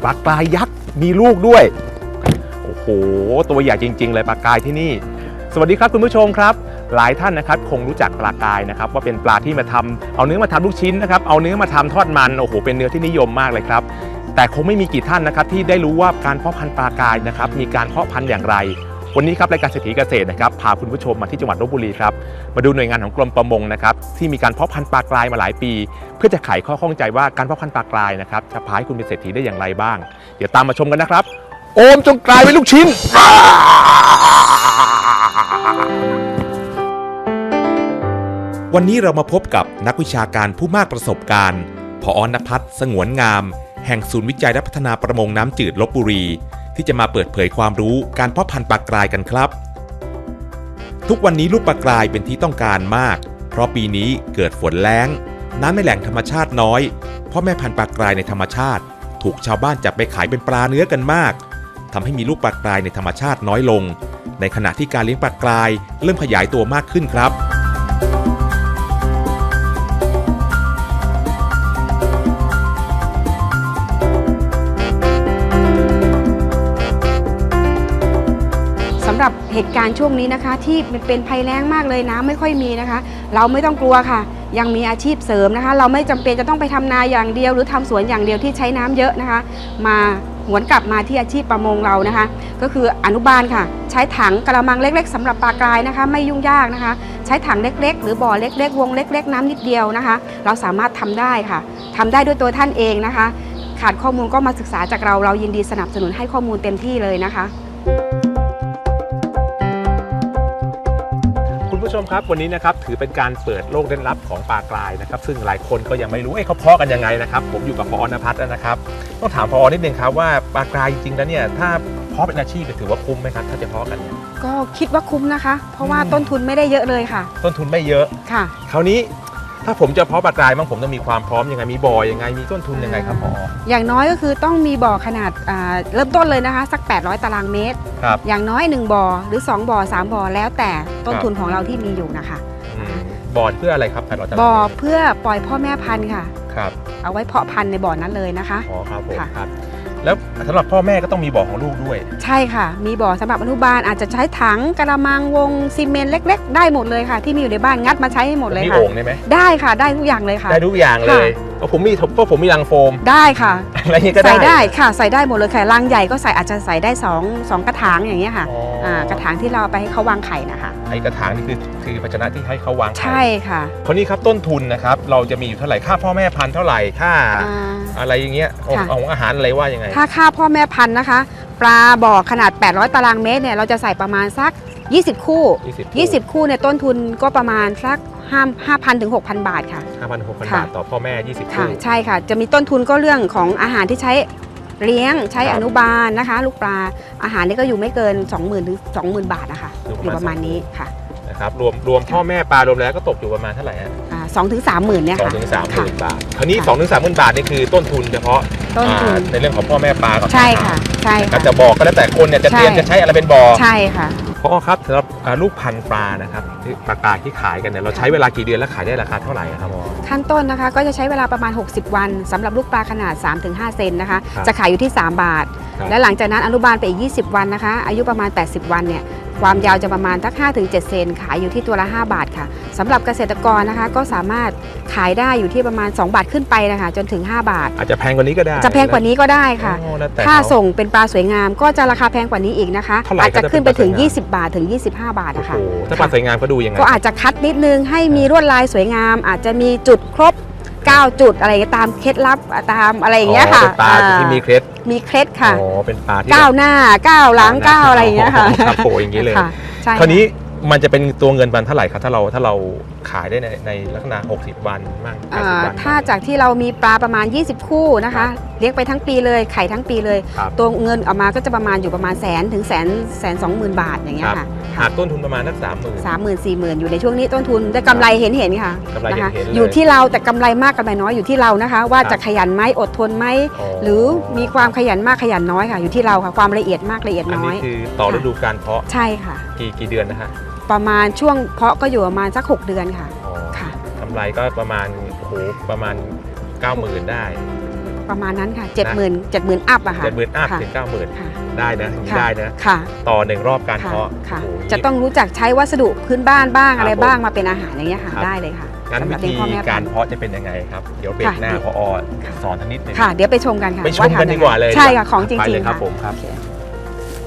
ปลากรายยักษ์มีลูกด้วยโอ้โหตัวใหญ่จริงๆเลยปลากรายที่นี่สวัสดีครับคุณผู้ชมครับหลายท่านนะครับคงรู้จักปลากรายนะครับว่าเป็นปลาที่มาทำเอาเนื้อมาทำลูกชิ้นนะครับเอาเนื้อมาทำทอดมันโอ้โหเป็นเนื้อที่นิยมมากเลยครับแต่คงไม่มีกี่ท่านนะครับที่ได้รู้ว่าการเพาะพันธุ์ปลากรายนะครับมีการเพาะพันธุ์อย่างไรวันนี้ครับรายการเศรษฐีเกษตรนะครับพาคุณผู้ชมมาที่จังหวัดลพบุรีครับมาดูหน่วยงานของกรมประมงนะครับที่มีการเพาะพันธุ์ปลากรายมาหลายปีเพื่อจะไขข้อข้องใจว่าการเพาะพันธุ์ปลากรายนะครับจะพาให้คุณเป็นเศรษฐีได้อย่างไรบ้างเดี๋ยวตามมาชมกันนะครับโอมจงกลายเป็นลูกชิ้นวันนี้เรามาพบกับนักวิชาการผู้มากประสบการณ์ผอ.ณภัทร สงวนงามแห่งศูนย์วิจัยและพัฒนาประมงน้ำจืดลพบุรีที่จะมาเปิดเผยความรู้การเพาะพันธุ์ปลากรายกันครับทุกวันนี้ลูกปลากรายเป็นที่ต้องการมากเพราะปีนี้เกิดฝนแล้งน้ำในแหล่งธรรมชาติน้อยพ่อแม่พันธุ์ปลากรายในธรรมชาติถูกชาวบ้านจับไปขายเป็นปลาเนื้อกันมากทำให้มีลูกปลากรายในธรรมชาติน้อยลงในขณะที่การเลี้ยงปลากรายเริ่มขยายตัวมากขึ้นครับสำหรับเหตุการณ์ช่วงนี้นะคะที่เป็นภัยแล้งมากเลยน้ำไม่ค่อยมีนะคะเราไม่ต้องกลัวค่ะยังมีอาชีพเสริมนะคะเราไม่จำเป็นจะต้องไปทำนาอย่างเดียวหรือทำสวนอย่างเดียวที่ใช้น้ำเยอะนะคะมาหวนกลับมาที่อาชีพประมงเรานะคะก็คืออนุบาลค่ะใช้ถังกระมังเล็กๆสำหรับปลากรายนะคะไม่ยุ่งยากนะคะใช้ถังเล็กๆหรือบ่อเล็กๆวงเล็กๆน้ำนิดเดียวนะคะเราสามารถทำได้ค่ะทำได้ด้วยตัวท่านเองนะคะขาดข้อมูลก็มาศึกษาจากเรายินดีสนับสนุนให้ข้อมูลเต็มที่เลยนะคะคุณผู้ชมครับวันนี้นะครับถือเป็นการเปิดโลกเร้นลับของปลากรายนะครับซึ่งหลายคนก็ยังไม่รู้เขาเพาะกันยังไงนะครับผมอยู่กับผอ.ณภัทรนะครับต้องถามผอ.นิดนึงครับว่าปลากรายจริงๆแล้วเนี่ยถ้าเพาะเป็นอาชีพถือว่าคุ้มไหมครับถ้าจะเพาะกันเนี่ยก็คิดว่าคุ้มนะคะเพราะว่าต้นทุนไม่ได้เยอะเลยค่ะต้นทุนไม่เยอะค่ะคราวนี้ถ้าผมจะเพาะปลากรายบ้างผมต้องมีความพร้อมยังไงมีบ่อยังไงมีต้นทุนยังไงครับผอ. อย่างน้อยก็คือต้องมีบ่อขนาดเริ่มต้นเลยนะคะสัก800ตารางเมตรอย่างน้อย1บ่อหรือ2บ่อ3บ่อแล้วแต่ต้นทุนของเราที่มีอยู่นะคะบ่อเพื่ออะไรครับ800ตารางเมตรบ่อเพื่อปล่อยพ่อแม่พันธุ์ค่ะครับเอาไว้เพาะพันธุ์ในบ่อนั้นเลยนะคะอ๋อครับผมครับแล้วสำหรับพ่อแม่ก็ต้องมีบ่อของลูกด้วยใช่ค่ะมีบ่อสำหรับอนุบาลอาจจะใช้ถังกระมังวงซีเมนต์เล็กๆได้หมดเลยค่ะที่มีอยู่ในบ้านงัดมาใช้ให้หมดเลยค่ะมีโอ่งได้ไหมได้ค่ะได้ทุกอย่างเลยค่ะได้ทุกอย่างเลยผมมีรังโฟมได้ค่ะอะไรนี้ก็ได้ใส่ได้ค่ะใส่ได้หมดเลยค่ะรังใหญ่ก็ใส่อาจจะใส่ได้2กระถางอย่างเงี้ยค่ะกระถางที่เราไปให้เขาวางไข่นะคะไอ้กระถางนี่คือภาชนะที่ให้เขาวางไข่ใช่ค่ะคนนี้ครับต้นทุนนะครับเราจะมีอยู่เท่าไหร่ค่าพ่อแม่พันธุ์เท่าไหร่ค่าอะไรอย่างเงี้ยของอาหารอะไรว่ายังไงถ้าค่าพ่อแม่พันธุ์นะคะปลาบ่อขนาด800ตารางเมตรเนี่ยเราจะใส่ประมาณสัก20คู่เนี่ยต้นทุนก็ประมาณสัก5,000 ถึง 6,000 บาทค่ะ 5,000 6,000 บาทต่อพ่อแม่20คู่ใช่ค่ะจะมีต้นทุนก็เรื่องของอาหารที่ใช้เลี้ยงใช้อนุบาลนะคะลูกปลาอาหารนี่ก็อยู่ไม่เกิน 20,000 ถึง 20,000 บาทนะคะอยู่ประมาณนี้ค่ะนะครับรวมพ่อแม่ปลารวมแล้วก็ตกอยู่ประมาณเท่าไหร่ฮะ 2 ถึง 30,000เนี่ยค่ะ 2 ถึง 30,000 บาทคราวนี้2 ถึง 30,000 บาทนี่คือต้นทุนเฉพาะในเรื่องของพ่อแม่ปลาก่อนใช่ค่ะใช่ค่ะจะบอกก็แล้วแต่คนเนี่ยจะเตรียมจะใช้อะไรเป็นบ่อใช่ค่ะพ่อครับสำหรับลูกพันธุ์ปลานะครับปลากรายที่ขายกันเนี่ยเราใช้เวลากี่เดือนแล้วขายได้ราคาเท่าไหร่ครับพ่อขั้นต้นนะคะก็จะใช้เวลาประมาณ60วันสำหรับลูกปลาขนาด 3-5 เซนนะคะจะขายอยู่ที่3 บาทและหลังจากนั้นอนุบาลไปอีก20วันนะคะอายุประมาณ80วันเนี่ยความยาวจะประมาณทัก 5-7 เซนขายอยู่ที่ตัวละ5 บาทค่ะสำหรับเกษตรกรนะคะก็สามารถขายได้อยู่ที่ประมาณ2 บาทขึ้นไปนะคะจนถึง5 บาทอาจจะแพงกว่านี้ก็ได้จะแพงกว่านี้ก็ได้ค่ะถ้าส่งเป็นปลาสวยงามก็จะราคาแพงกว่านี้อีกนะคะอาจจะขึ้นไปถึง20 บาทถึง25 บาทนะคะถ้าปลาสวยงามก็ดูยังไงก็อาจจะคัดนิดนึงให้มีลวดลายสวยงามอาจจะมีจุดครบ9 จุดอะไรตามเคล็ดลับตามอะไรอย่างเงี้ยค่ะปลาที่มีเคล็ดค่ะเป็นปลาที่ 9 หน้า9 หลัง9อะไรอย่างเงี้ยค่ะครับโผอย่างนี้เลยคราวนี้มันจะเป็นตัวเงินวันเท่าไหร่ครับถ้าเราขายได้ในลักษณะ60วันบ้าง80วันถ้าจากที่เรามีปลาประมาณ20คู่นะคะเลี้ยงไปทั้งปีเลยไข่ทั้งปีเลยตัวเงินออกมาก็จะประมาณอยู่ประมาณ100,000 ถึง120,000 บาทอย่างเงี้ยค่ะหากต้นทุนประมาณนัก 30,000 40,000อยู่ในช่วงนี้ต้นทุนได้กำไรเห็นค่ะนะคะอยู่ที่เราแต่กำไรมากกำไรน้อยอยู่ที่เรานะคะว่าจะขยันไหมอดทนไหมหรือมีความขยันมากขยันน้อยค่ะอยู่ที่เราค่ะความละเอียดมากละเอียดน้อยอันนี้คือต่อฤดูกาลเพาะใช่ค่ะกี่เดือนนะฮะประมาณช่วงเพาะก็อยู่ประมาณสัก6 เดือนค่ะกำไรก็ประมาณ90,000ได้ประมาณนั้นค่ะ70,000อัพอะค่ะ 70,000 อัพค่ะถึง 90,000 ค่ะได้นะอย่างนี้ค่ะได้นะค่ะต่อ1รอบการค่ะเพาะค่ะโอ้โหจะต้องรู้จักใช้วัสดุพื้นบ้านบ้างครับอะไรบ้างมาเป็นอาหารอย่างเงี้ยค่ะครับได้เลยค่ะงั้นสำหวิรับเลี้ธียงพ่อแม่กาพัรนธุ์เพาะจะเป็นยังไงครับเดี๋ยวเบรกค่ะหน้าเดี๋ยวพอสอนทักนิดหนึงค่ะ เดี๋ยวไปชมกันค่ะไปชมว่ากันทำดีกว่าเลยใช่ค่ะของจไปริงเลยๆครับค่ะผมครับโอเ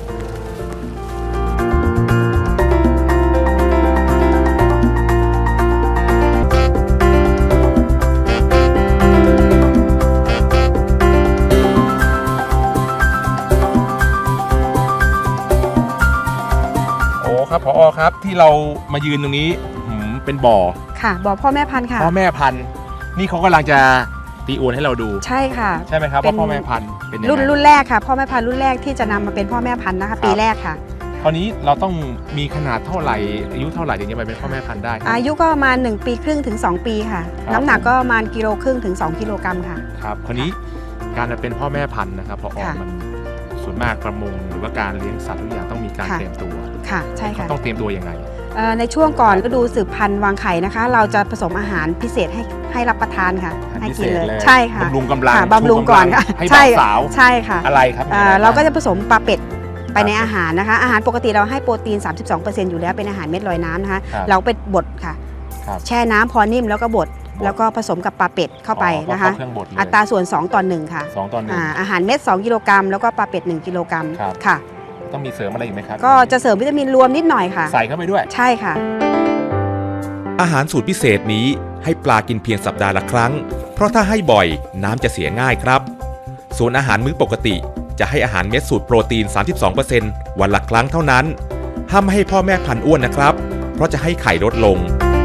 โอ้ครับพอครับที่เรามายืนตรงนี้เป็นบ่อค่ะบอกพ่อแม่พันธุ์ค่ะพ่อแม่พันธุ์นี่เขากำลังจะตีอวนให้เราดูใช่ค่ะใช่ไหมครับเป็นว่าพ่อแม่พันธุ์เป็นยังไงรุ่นแรกค่ะพ่อแม่พันธุ์รุ่นแรกที่จะนำมาเป็นพ่อแม่พันธุ์นะคะ ปีแรกค่ะคราวนี้เราต้องมีขนาดเท่าไหร่อายุเท่าไหร่ถึงจะไปเป็นพ่อแม่พันธุ์ได้ครับอายุก็ประมาณ1ปีครึ่งถึง2ปีค่ะครับน้ำหนักก็ประมาณกิโลครึ่งถึง2กิโลกรัมค่ะครับคราวนี้การจะเป็นพ่อแม่พันธุ์นะครับพอค่ะมันส่วนมากประมงหรือว่าการเลี้ยงสัตว์ทุกอย่างต้องมีการค่ะเตรียมตัวค่ะใช่ค่ะเขาต้องเตรียมตัวยังไงในช่วงก่อนฤดูสืบพันธุ์วางไข่นะคะ เราจะผสมอาหารพิเศษให้รับประทานค่ะอาหารให้พิเศกินษเลยเลยใช่ค่ะบำรุงกำลังค่ะบำรุงก่อนค่ะให้ใช่บ่าวสาวใช่ค่ะอะไรครับมีอไเราก็จะบ้งผสมปลาเป็ดไปในอาหารนะคะ อาหารปกติเราให้โปรตีน 32%อยู่แล้วเป็นอาหารเม็ดลอยน้ำนะคะครับเราไปบดค่ะครับแช่น้ำพอนิ่มแล้วก็บดแล้วก็ผสมกับปลาเป็ดเข้าไปอ๋อนะคะเข้าเครื่องบดเลยอัตราส่วน2:1ค่ะ 2:1 อาหารเม็ด2กิโลกรัมแล้วก็ปลาเป็ด1กิโลกรัมครับค่ะต้องมีเสริมอะไรอีกไหมครับก็จะเสริมวิตามินรวมนิดหน่อยค่ะใส่เข้าไปด้วยใช่ค่ะอาหารสูตรพิเศษนี้ให้ปลากินเพียงสัปดาห์ละครั้ง เพราะถ้าให้บ่อยน้ำจะเสียง่ายครับ ส่วนอาหารมื้อปกติจะให้อาหารเม็ดสูตรโปรตีน 32% วันละครั้งเท่านั้น ห้ามไม่ให้พ่อแม่พันธุ์อ้วนนะครับ เพราะจะให้ไข่ลดลง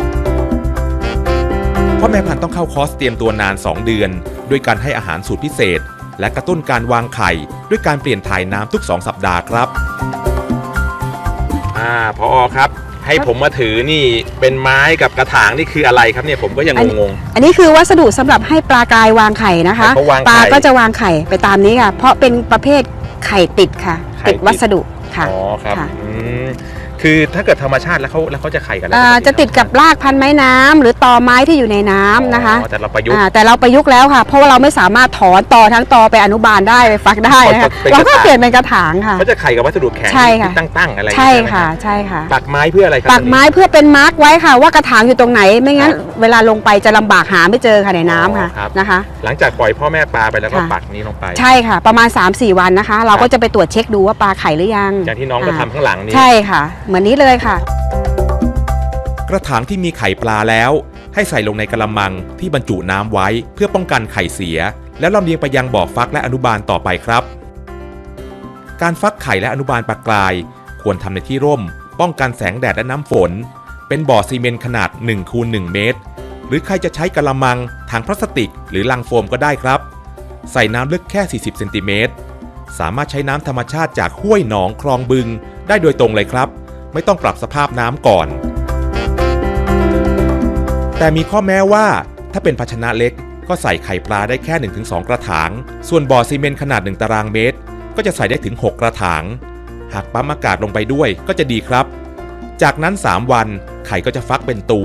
พ่อแม่พันธุ์ต้องเข้าคอร์สเตรียมตัวนาน 2 เดือน ด้วยการให้อาหารสูตรพิเศษ และกระตุ้นการวางไข่ ด้วยการเปลี่ยนถ่ายน้ำทุก 2 สัปดาห์ครับพอครับ ให้ผมมาถือนี่เป็นไม้กับกระถางนี่คืออะไรครับเนี่ยผมก็ยังงงอันนี้คือวัสดุสำหรับให้ปลากรายวางไข่นะคะให้เขาวางไข่ปลาก็จะวางไข่ไปตามนี้ค่ะ เพราะเป็นประเภทไข่ติดค่ะไข่ติดติดวัสดุๆค่ะอ๋อครับค่ะคือถ้าเกิดธรรมชาติแล้วเขาจะไข่กันแล้วจะติดกับรากพันไม้น้ำหรือตอไม้ที่อยู่ในน้ำนะคะแต่เราประยุกต์แต่เราประยุกต์แล้วค่ะ เพราะว่าเราไม่สามารถถอนตอทั้งตอไปอนุบาลได้ไปฟักได้นะคะเป็นกระถางเราก็เปลี่ยนเป็นกระถางค่ะเขาจะไข่กับวัสดุแข็งใช่ค่ะที่ตั้งๆอะไรอย่างใช่เงี้ยไหมค่ะรับใช่ค่ะปักไม้เพื่ออะไรครับปักไม้เพื่อเป็นมาร์กไว้ค่ะ ว่ากระถางอยู่ตรงไหนไม่งั้น เวลาลงไปจะลำบากหาไม่เจอค่ะในน้ำค่ะนะคะหลังจากปล่อยพ่อแม่ปลาไปแล้วก็ค่ะปักนี้ลงไปใช่ค่ะ ประมาณ 3-4 วันนะคะ เราก็จะไปตรวจเช็คดูว่าปลาไข่หรือยังอย่างที่น้องก็ทำข้างหลังนี้ใช่ค่ะ เหมือนนี้เลยค่ะกระถางที่มีไข่ปลาแล้ว ให้ใส่ลงในกระมังที่บรรจุน้ำไว้เพื่อป้องกันไข่เสีย แล้วลำเลียงไปยังบ่อฟักและอนุบาลต่อไปครับ การฟักไข่และอนุบาลปลากราย ควรทำในที่ร่ม ป้องกันแสงแดดและน้ำฝน เป็นบ่อซีเมนต์ขนาด 1x1 เมตร หรือใครจะใช้กระมังถังพลาสติก หรือลังโฟมก็ได้ครับ ใส่น้ำลึกแค่40เซนติเมตรสามารถใช้น้ำธรรมชาติจากห้วยหนองคลองบึงได้โดยตรงเลยครับ ไม่ต้องปรับสภาพน้ำก่อน แต่มีข้อแม้ว่าถ้าเป็นภาชนะเล็กก็ใส่ไข่ปลาได้แค่ 1-2 กระถาง ส่วนบ่อซีเมนต์ขนาด1ตารางเมตรก็จะใส่ได้ถึง6กระถาง หากปั๊มอากาศลงไปด้วยก็จะดีครับ จากนั้น3วันไข่ก็จะฟักเป็นตัว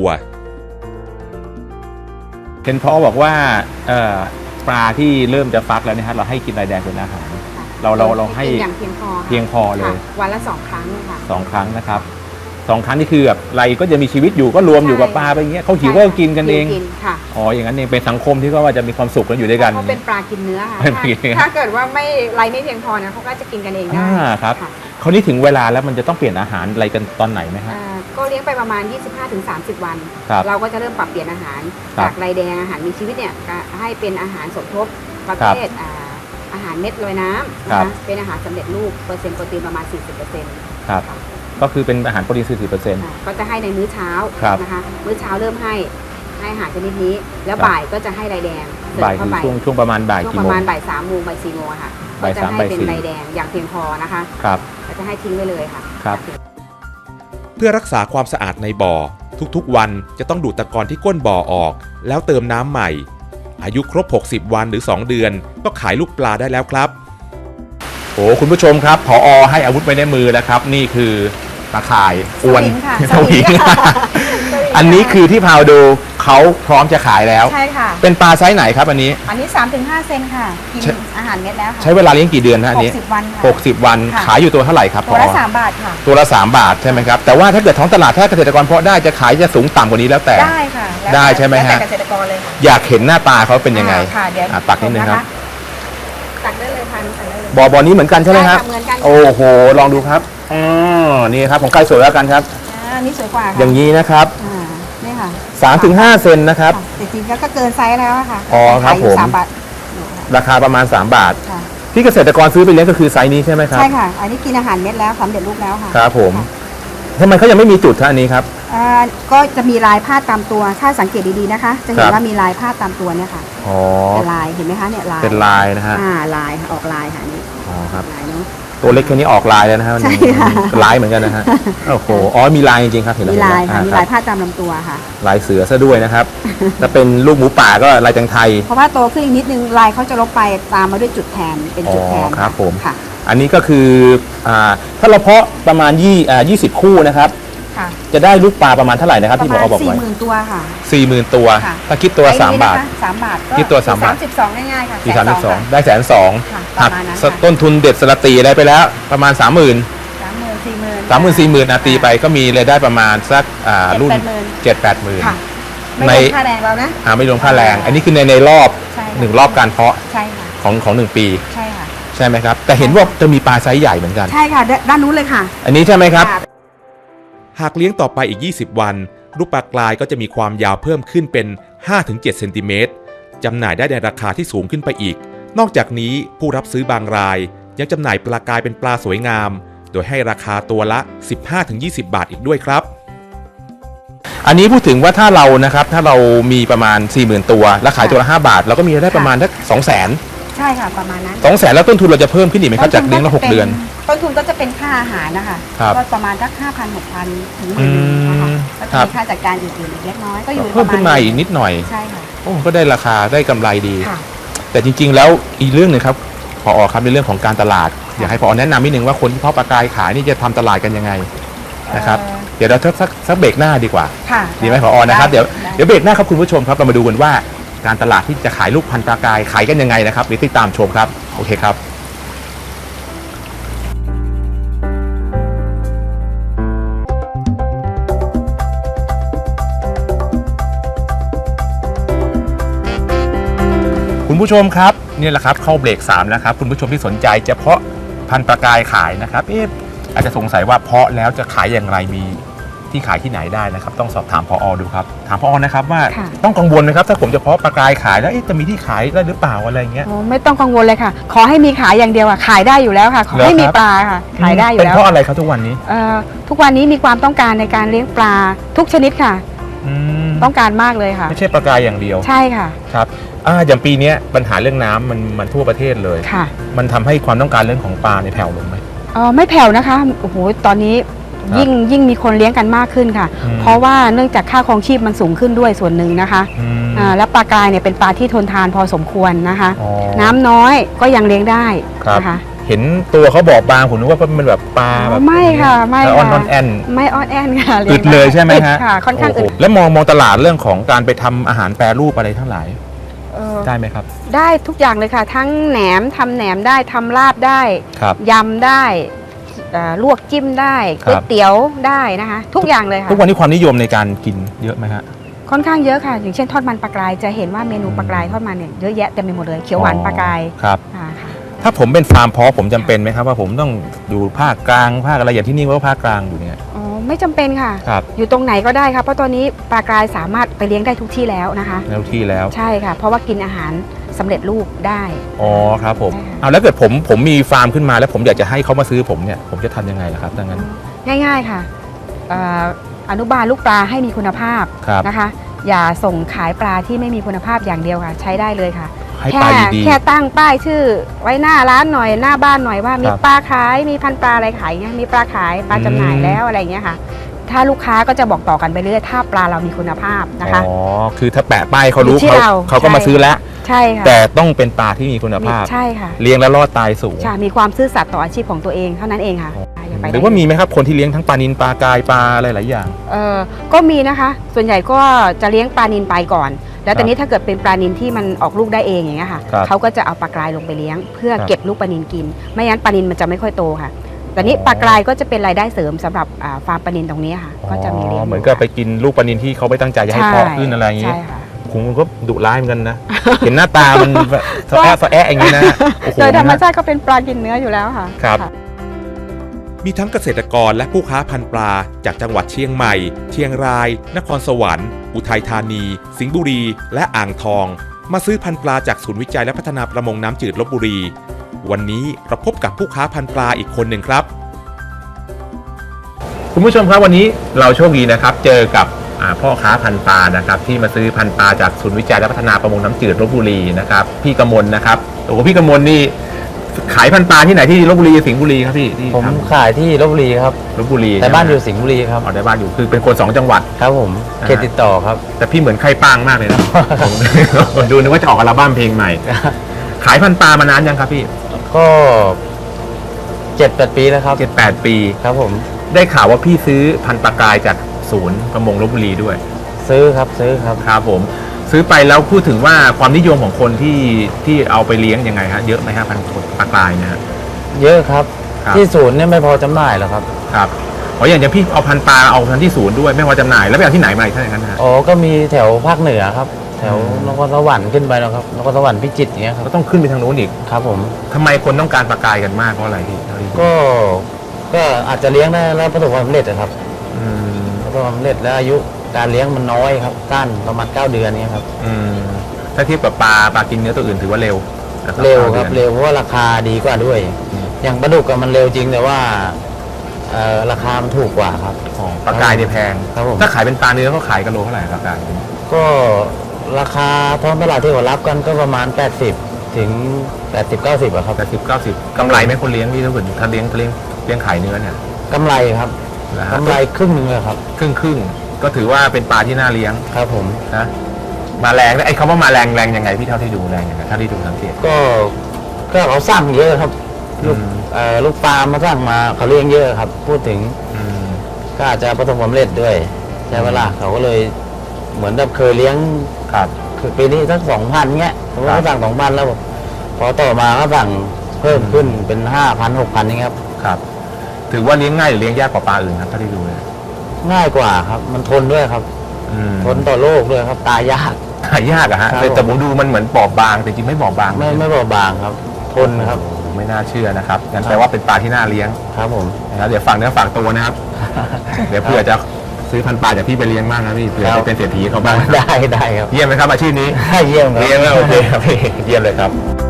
เห็นพ่อบอกว่าปลาที่เริ่มจะฟักแล้วนะฮะเราให้กินลายแดงเป็นอาหาร เราให้อย่างเพียงพอค่ะเพียงพอเลยค่ะวันละ2 ครั้งค่ะ 2 ครั้งนะครับ2 ครั้งนี่คือแบบไรก็จะมีชีวิตอยู่ก็รวมอยู่กับปลาไปอย่างเงี้ยเขาหิวก็กินกันเองกินค่ะอ๋ออย่างนั้นเองเป็นสังคมที่ก็ว่าจะมีความสุขกันอยู่ด้วยกันเขาเป็นปลากินเนื้อค่ะเป็นปลากินเนื้อถ้าเกิดว่าไรไม่เพียงพอเนี่ยเขาก็จะกินกันเองได้ครับค่ะคราวนี้ถึงเวลาแล้วมันจะต้องเปลี่ยนอาหารอะไรกันตอนไหนไหมฮะก็เลี้ยงไปประมาณ 25-30 วันครับเราก็จะเริ่มปรับเปลี่ยนอาหารครับจากไรแดงอาหารมีชีวิตเนี่ยก็ให้เป็นอาหารสมทบประเภทอาหารเม็ดลอยน้ำครันะบคะเป็นอาหารสำเร็จรูปเปอร์เซ็นต์โปรตีนประมาณ 40% ครับก็คือเป็นอาหารโปรตีนก็จะให้ในมื้อเช้าครับนะคะมื้อเช้าเริ่มให้อาหารชนิดนี้ แล้วครับบ่ายก็จะให้ไรแดงเสริบ่ายมเข้าคือไปช่วงประมาณบ่ายช่วงกี่ปโมระงมาณบ่าย3 โมงบ่าย 4 โมงอะค่ะก็บ่ายจะ 3 ให้บ่ายเป็น 4 ไรแดงอย่างเพียงพอนะคะครับก็จะให้ทิ้งไว้เลยค่ะครับเพื่อรักษาความสะอาดในบ่อทุกๆวันจะต้องดูดตะกอนที่ก้นบ่อออก แล้วเติมน้ำใหม่ อายุครบ60วันหรือ2 เดือนก็ขายลูกปลาได้แล้วครับโอ้คุณผู้ชมครับผอให้อาวุธไว้ในมือแล้วครับ นี่คือตะข่ายอวนสวิงค่ะสวิงสวิงค่ะอันนี้คือที่พาวดูเเขาพร้อมจะขายแล้วใช่ค่ะเป็นปลาไซส์ไหนครับอันนี้อันนี้ 3-5 เซนค่ะ กินใช่อาหารเม็ดแล้วค่ะใช้เวลาเลี้ยงกี่เดือนฮะอันนี้ 60 วันค่ะ 60 วันค่ะขายอยู่ตัวเท่าไหร่ครับตัวละผอ 3 บาทค่ะตัวละ3 บาทใช่ไหมครับแต่ว่าถ้าเกิดท้องตลาดถ้าเกษตรกรเพาะได้จะขายจะสูงต่ำกว่านี้แล้วแต่ได้ค่ะแล้วได้ใช่ไหมฮะแล้วแต่เกษตรกรเลยค่ะอยากเห็นหน้าตาเขาเป็นยังไงค่ะเดี๋ยวตักนิดนึงครับตักได้เลยค่ะตักได้เลยบ่อนี้เหมือนกันใช่ไหมครับใช่ค่ะเหมือนกันค่ะโอ้โหลองดูครับอ๋อนี่ครับของใครสวยแล้วกันครับอันนี้สวยกว่าค่ะอย่างนี้นะครับนี่ค่ะ 3-5 เซนนะครับค่ะแต่จริงๆแล้วก็เกินไซส์แล้วอะค่ะอ๋อครับขายอยู่ผม 3 บาทราคาประมาณ 3 บาทค่ะที่เกษตรกรซื้อไปเลี้ยงก็คือไซส์นี้ใช่ไหมครับใช่ค่ะ อันนี้กินอาหารเม็ดแล้วสำเร็จรูปแล้วค่ะครับผมทำไมเขายังไม่มีจุดท่านี้ครับก็จะมีลายพาดตามตัว ถ้าสังเกตดีๆนะคะ จะเห็ครันบว่ามีลายพาดตามตัวเนี่ยค่ะอ๋อเป็นลายเห็นไหมคะเนี่ยลายเป็นลายนะฮะลายค่ะออกลายค่ะนี่อ๋อครับลายเนาะตัวเล็กแค่นี้ออกลายแล้วนะฮะใช่ค่ะลายเหมือนกันนะฮะโอ้โหอ๋อมีลายจริงๆครับเห็นแล้วมีลายค่ะเห็นมีแล้วลายพาดตามลำตัวค่ะลายเสือซะด้วยนะครับ ถ้าเป็นลูกหมูป่าก็ลายจังไทยเพราะว่าโตขึ้นอีกนิดนึงลายเขาจะลบไปตามมาด้วยจุดแทนเป็นจุดแทนอ๋อครับผมค่ะอันนี้ก็คือถ้าเราเพาะประมาณ20 คู่นะครับค่ะจะได้ลูกปลาประมาณเท่าไหร่นะครับประที่ผมาณอบอกไว้ 40,000 ตัวค่ะ 40,000 ตัวค่ะถ้าคิดตัวไอ้นี่ 3 บาทนะคะ3 บาทก็คิดตัว3 บาท 32ง่ายๆค่ะที่ 120,000 32ได้120,000 ค่ะปหัระกมาณนั้นค่ะต้นทุนเด็ดสลัดตีอะไรไปแล้วประมาณ 30,000 30,000 40,000 40,000ตีไปก็มีรายได้ประมาณสักรุ่น 70,000 ค่ะ 7-8 หมื่นไม่ในรวมค่าแรงเรานะไม่รวมค่าแรง อันนี้คือในรอบใช่ค่ะ 1 รอบการเพาะใช่ค่ะของ1 ปีใช่ค่ะใช่ไหมครับ แต่เห็นว่าจะมีปลาไซส์ใหญ่เหมือนกันใช่ค่ะด้านนู้นเลยค่ะอันนี้ใช่ไหมครับค่ะหากเลี้ยงต่อไปอีก 20 วัน ลูกปลากรายก็จะมีความยาวเพิ่มขึ้นเป็น 5-7 เซนติเมตรจำหน่ายได้ในราคาที่สูงขึ้นไปอีก นอกจากนี้ผู้รับซื้อบางราย ยังจำหน่ายปลากรายเป็นปลาสวยงาม โดยให้ราคาตัวละ 15-20 บาทอีกด้วยครับอันนี้พูดถึงว่าถ้าเรานะครับถ้าเรามีประมาณ 40,000 ตัว แล้วขายตัวละ5 บาท เราก็มีรายได้ประมาณสัก200,000 ใช่ค่ะประมาณนั้น 200,000แล้วต้นทุนเราจะเพิ่มขึ้นอีกไหมครับจากเลี้ยงละ6 เดือนต้นทุนก็จะเป็นค่าอาหารนะคะครับก็ประมาณสัก 5,000-6,000 ถึง 10,000 นะคะแล้วครัก็บมีค่าจัดการอื่นๆอีกเล็กน้อยก็อยู่เพิ่มขึ้นมาอีกนิดหน่อยใช่ค่ะโอ้ก็ได้ราคาได้กำไรดีค่ะแต่จริงๆแล้วอีกเรื่องหนึ่งครับผอครับในเรื่องของการตลาด อยากให้ผอแนะนำนิดนึงว่าคนที่เพาะปลากรายขายนี่จะทำตลาดกันยังไงนะครับเดี๋ยวเราสักเบรกหน้าดีกว่าค่ะดีไหมผอนะครับได้เดี๋ยวได้เบรกหน้าครับคุณผู้ชมครับเรามาดูกันว่าการตลาดที่จะขายลูกพันธุ์ปลากรายขายกันยังไงนะครับเดี๋ยวติดตามชมครับโอเคครับคุณผู้ชมครับนี่แหละครับเข้าเบรก3แล้วครับคุณผู้ชมที่สนใจจะเพาะพันธุ์ปลากรายขายนะครับอาจจะสงสัยว่าเพาะแล้วจะขายอย่างไรมีที่ขายที่ไหนได้นะครับต้องสอบถามผอดูครับถามผอนะครับว่าค่ะต้องกังวลไหมครับถ้าผมจะเพาะปลากรายขายแล้วจะมีที่ขายได้หรือเปล่าอะไรเงี้ยโอ้ไม่ต้องกังวลเลยค่ะ ขอให้มีขายอย่างเดียวค่ะขายได้อยู่แล้วค่ะ ขอให้เหรอครับมีปลาค่ะ ขายได้อยู่เป็นแล้วเพราะอะไรครับทุกวันนี้ทุกวันนี้มีความต้องการในการเลี้ยงปลาทุกชนิดค่ะอืมต้องการมากเลยค่ะไม่ใช่ปลากรายอย่างเดียวใช่ค่ะครับอย่างปีเนี้ยปัญหาเรื่องน้ำมันทั่วประเทศเลยค่ะมันทำให้ความต้องการเรื่องของปลาในยแผ่วลงไหมไม่แผ่วนะคะโอ้โหตอนนี้ครับยิ่งมีคนเลี้ยงกันมากขึ้นค่ะอืมเพราะว่าเนื่องจากค่าครองชีพมันสูงขึ้นด้วยส่วนหนึ่งนะคะอืมแล้วปลากรายเนี่ยเป็นปลาที่ทนทานพอสมควรนะคะอ๋อน้ำน้อยก็ยังเลี้ยงได้ครับนะคะเห็นตัวเขาบอบบางผมนึกว่ามันแบบปลาแบบไม่ค่ะไม่แล้วอ่อนค่ะแอนไม่อ้อนแอนค่ะอึดเลยใช่ไหมฮะค่ะ ค่อนข้างอึดโโหแล้วมองตลาดเรื่องของการไปทำอาหารแปรรูปอะไรทั้งหลายเออได้ไหมครับได้ทุกอย่างเลยค่ะ ทั้งแหนมทำแหนมได้ทำลาบได้ครับยำได้ลวกจิ้มได้ครัก๋วยบเตี๋ยวได้นะคะ ทุกอย่างเลยค่ะทุกวันนี้ความนิยมในการกินเยอะไหมฮะค่อนข้างเยอะค่ะ อย่างเช่นทอดมันปลากรายจะเห็นว่าเมนูปลากรายทอดมันเนี่ยเยอะแยะเต็มไปหมดเลยเขียวหวานปลากรายครับค่ะถ้าผมเป็นฟาร์มเพาะผมจำเป็นไหมครับว่าผมต้องอยู่ภาคกลางภาคอะไรอย่างที่นี่ว่าภาคกลางอยู่เนี่ยอ๋อไม่จำเป็นค่ะครับอยู่ตรงไหนก็ได้ค่ะเพราะตอนนี้ปลากรายสามารถไปเลี้ยงได้ทุกที่แล้วนะคะแล้วที่แล้วใช่ค่ะ เพราะว่ากินอาหารสำเร็จรูปได้อ๋อครับผมใช่ค่ะเอาแล้วเกิดผมมีฟาร์มขึ้นมาแล้วผมอยากจะให้เขามาซื้อผมเนี่ยผมจะทำยังไงล่ะครับดังนั้นง่ายๆค่ะอนุบาลลูกปลาให้มีคุณภาพครับนะคะ อย่าส่งขายปลาที่ไม่มีคุณภาพอย่างเดียวค่ะ ใช้ได้เลยค่ะให้ปลาดีแค่ตั้งป้ายชื่อไว้หน้าร้านหน่อยหน้าบ้านหน่อยว่ามีครับปลาขายมีพันธุ์ปลาอะไรขายเงี้ยมีปลาขายปลาจำหน่ายอืมแล้วอะไรเงี้ยค่ะ ถ้าลูกค้าก็จะบอกต่อกันไปเรื่อยถ้าปลาเรามีคุณภาพๆนะคะอ๋อคือถ้าแปะป้ายเขารู้อยู่ที่เราเขาก็มาใช่ซื้อแล้วใช่ค่ะแต่ต้องเป็นปลาที่มีคุณภาพใช่ค่ะเลี้ยงแล้วรอดตายสูงใช่มีความซื่อสัตย์ต่ออาชีพของตัวเองเท่านั้นเองค่ะอ๋อไปได้หรือว่ามีไหมครับคนที่เลี้ยงทั้งปลานิลปลากายปลาอะไรหลายอย่างก็มีนะคะ ส่วนใหญ่ก็จะเลี้ยงปลานิลไปก่อน แล้วตอนนี้ถ้าเกิดเป็นปลานิลที่มันออกลูกได้เองอย่างเงี้ยค่ะครับเขาก็จะเอาปลากรายลงไปเลี้ยง เพื่อครับเก็บลูกปลานิลกิน ไม่งั้นปลานิลมันจะไม่ค่อยโตค่ะแต่นี้ปลากรายก็จะเป็นรายได้เสริมสำหรับฟาร์มปลานิลตรงนี้ค่ะ ก็จะมีเลี้ยงเหมือนกับไปกินลูกปลานิลที่เขาไม่ตั้งใจจะให้เพาะขึ้นอะไรอย่างงี้ใช่ค่ะคุณก็ดุร้ายเหมือนกันนะ เห็นหน้าตามันสะแอะสะแอะอย่างนี้นะโอ้โหโดยธรรมชาติก็เป็นปลากินเนื้ออยู่แล้วค่ะครับะมีทั้งเกษตรกรและผู้ค้าพันธุ์ปลาจากจังหวัดเชียงใหม่ เชียงราย นครสวรรค์ อุทัยธานี สิงห์บุรี และอ่างทอง มาซื้อพันธุ์ปลาจากศูนย์วิจัยและพัฒนาประมงน้ำจืดลพบุรี วันนี้เราพบกับผู้ค้าพันธุ์ปลาอีกคนหนึ่งครับคุณผู้ชมครับวันนี้เราโชคดีนะครับ เจอกับพ่อค้าพันธุ์ปลานะครับที่มาซื้อพันธุ์ปลาจากศูนย์วิจัยและพัฒนาประมงน้ำจืดลพบุรีนะครับพี่กมลนะครับโอ้โหพี่กมลนี่ขายพันธุ์ปลาที่ไหนที่ลพบุรีสิงห์บุรีครับพี่ที่ผมทขายที่ลพบุรีครับำลพบุรีแต่บ้านอยู่ใช่ไหมสิงห์บุรีครับอ๋อได้บ้านอยู่คือเป็นคน2จังหวัดครับผมอ่าเขตติดต่อครับแต่พี่เหมือนไข่ปางมากเลยนะ ผมดูนึกว่าจะออกอัลบั้มเพลงใหม่ ขายพันธุ์ปลามานานยังครับพี่ก็7-8 ปีแล้วครับ 7-8 ปีครับผมได้ข่าวว่าพี่ซื้อพันธุ์ปลากรายจากศูนย์ประมงลพบุรีด้วยซื้อครับซื้อครับครับผมซื้อไปแล้วพูดถึงว่าความนิยมของคนที่เอาไปเลี้ยงยังไงฮะเยอะไหมฮะพันธุ์ปลากรายนะฮะเยอะครับครับที่ศูนย์เนี่ยไม่พอจำหน่ายหรอกครับครับอ๋ออย่างพี่เอาพันธุ์ปลาเอาพันธุ์ที่ศูนย์ด้วยไม่ว่าจำหน่ายแล้วไปเอาที่ไหนมาอีกท่านอย่างนั้นฮะอ๋อก็มีแถวภาคเหนือครับ แถวอืมนครสวรรค์ขึ้นไปนะครับนครสวรรค์พิจิตรอย่างเงี้ยครับก็ต้องขึ้นไปทางโน้นอีกครับผมทำไมคนต้องการปลากรายกันมากเพราะอะไรพี่เท่าที่ดูก็อาจจะเลี้ยงได้แล้วประสบความสำเร็จนะครับอืมประสบความสำเร็จแล้วอายุการเลี้ยงมันน้อยครับสั้นประมาณ9 เดือนเนี้ยครับอืมถ้าเทียบกับปลากินเนื้อตัวอื่นถือว่าเร็วนะเร็วครับ 9ดือนเร็วเพราะว่าราคาดีกว่าด้วยอืมอย่างปลาดุกอะมันเร็วจริงแต่ว่าราคามันถูกกว่าครับอ๋อปลากรายเนี่ยแพงครับผมถ้าขายเป็นปลาเนื้อเขาขายกันโลเท่าไหร่ปลากรายก็ราคาท้องตลาดที่เขารับกันก็ประมาณ 80 ถึง 80-90อะครับ 80-90กำไรไหมคนเลี้ยงพี่ถ้าเกิดถ้าเลี้ยงขายเนื้อเนี่ยกำไรครับนะฮะกำไรครึ่งหนึงเลยครับครึ่งก็ถือว่าเป็นปลาที่น่าเลี้ยงครับผมนะมาแรงนะไอ้คำว่ามาแรงยังไงพี่เท่าที่ดูแรงยังไงเท่าที่ดูสังเกตก็เขาสั่งเยอะครับ ลูกอืมลูกปลามาสั่งมาเขาเลี้ยงเยอะครับ พูดถึงอืมก็อาจจะประสบความสำเร็จด้วยใช่เวลาเขาก็เลยเหมือนแบบเคยเลี้ยงครับคือปีนี้สัก2,000เงี้ยสมมติครับเขาสั่ง2,000แล้วพอต่อมาก็สั่งเพิ่มขึ้นเป็น5,000 6,000นี่ครับครับถือว่าเลี้ยงง่ายหรือเลี้ยงยากกว่าปลาอื่นครับเท่าที่ดูเลยง่ายกว่าครับ มันทนด้วยครับอืมทนต่อโรคด้วยครับ ตายยากหายากอะฮะครับแต่ผมดูมันเหมือนบอบบางแต่จริงไม่บอบบางไม่เบาบางครับ ทนครับโอ้โหไม่น่าเชื่อนะครับงั้นครับแปลว่าเป็นปลาที่น่าเลี้ยงครับผมนะครับเดี๋ยวฝากเนื้อฝากตัวนะครับ เดี๋ยวเผื่อจะซื้อพันธุ์ปลาจากพี่ไปเลี้ยงบ้างนะพี่เผื่อครับจะเป็นเศรษฐีเขาบ้างได้ครับเยี่ยมไหมครับอาชีพนี้เยี่ยมครับเลี้ยงแล้วโอเคครับพี่เยี่ยมเลยครับ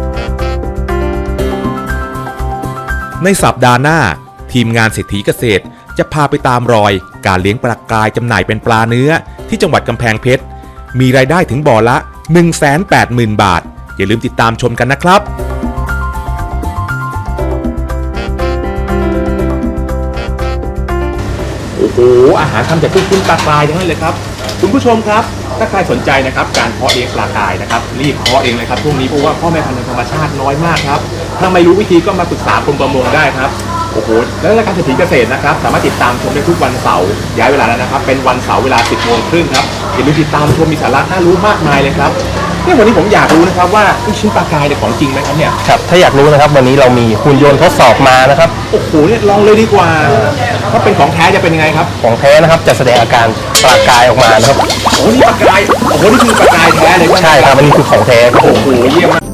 ในสัปดาห์หน้า ทีมงานเศรษฐีเกษตร จะพาไปตามรอย การเลี้ยงปลากรายจำหน่ายเป็นปลาเนื้อ ที่จังหวัดกำแพงเพชร มีรายได้ถึงบ่อละ 180,000 บาท อย่าลืมติดตามชมกันนะครับโอ้โหอาหารทำจากกุ้งปลากรายทั้งนั้นเลยครับคุณผู้ชมครับ ถ้าใครสนใจนะครับการเพาะเลี้ยงปลากรายนะครับรีบเพาะเองเลยครับช่วงนี้เพราะว่าพ่อแม่พันธุ์ในธรรมชาติน้อยมากครับถ้าไม่รู้วิธีก็มาปรึกษากรมประมงได้ครับโอ้โหแล้วรายการเศรษฐีเกษตรนะครับสามารถติดตามชมได้ทุกวันเสาร์ย้ายเวลาแล้วนะครับเป็นวันเสาร์เวลา 10:30 ครับอย่าลืมติดตามชมมีสาระน่ารู้มากมายเลยครับเนี่ยวันนี้ผมอยากรู้นะครับว่าลูกชิ้นปลากรายเนี่ยของจริงไหมครับเนี่ยครับถ้าอยากรู้นะครับวันนี้เรามีหุ่นยนต์ทดสอบมานะครับโอ้โหเนี่ยลองเลยดีกว่าถ้าเป็นของแท้จะเป็นยังไงครับของแท้นะครับจะแสดงอาการปลากายออกมานะครับโอ้โหนี่ปลากรายโอ้โหนี่คือปลากรายแท้เลยใช่ครับอันนี้คือของแท้ครับผโอ้มโหเยี่ยมมาก